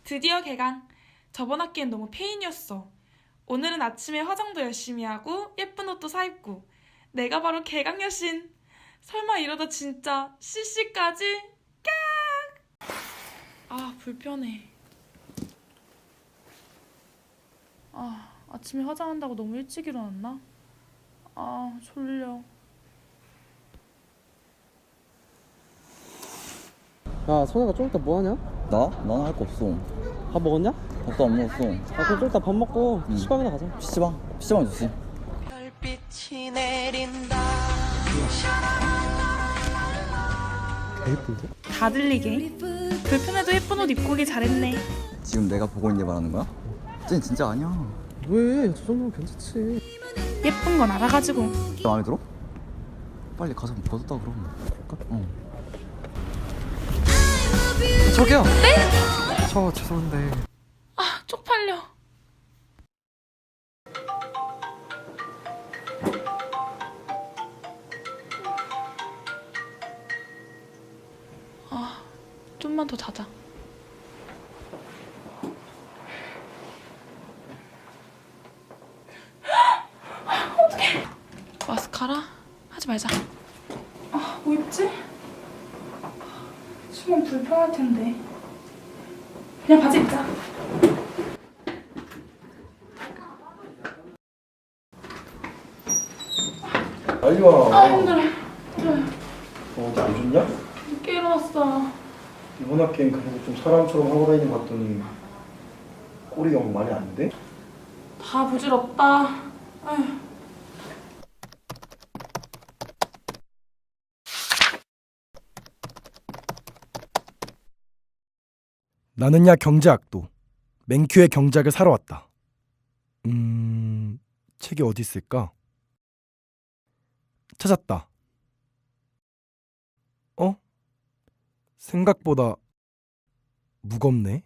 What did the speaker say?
드디어 개강. 저번 학기엔 너무 페인이었어. 오늘은 아침에 화장도 열심히 하고 예쁜 옷도 사입고. 내가 바로 개강 여신. 설마 이러다 진짜 CC까지? 깍! 아, 불편해. 아침에 화장한다고 너무 일찍 일어났나? 아, 졸려. 야, 선혜가 좀 이따 뭐 하냐? 나? 나는 할 거 없어. 밥 먹었냐? 밥도 안 먹었어. 그럼 좀 이따 밥 먹고 PC방이나 가자. PC방? PC방 좋지. 별빛이 내린다. 개 예쁜데? 다 들리게. 불편해도 예쁜 옷 입고 오길 잘했네. 지금 내가 보고 있는 게 말하는 거야? 쟤는 진짜 아니야. 왜? 저 정도면 괜찮지. 예쁜 건 알아가지고. 마음에 들어? 빨리 가서 벗었다 그럼. 그럴까? 어. 저기요! 네? 저 죄송한데 아, 쪽팔려. 아, 좀만 더 자자. 어떡해. 마스카라? 하지 말자. 아, 뭐 입지? 춤은 불편할 텐데. 그냥 바지 입자. 빨리 와. 아, 힘들어. 어디 안 좋냐? 늦게 일어났어. 이번 학기엔 그래도 좀 사람처럼 하고 다니는 것 같더니 꼬리가 뭐 많이 안 돼? 다 부질없다. 아휴. 나는야 경제학도 맨큐의 경제학을 사러 왔다. 책이 어디 있을까? 찾았다. 생각보다 무겁네.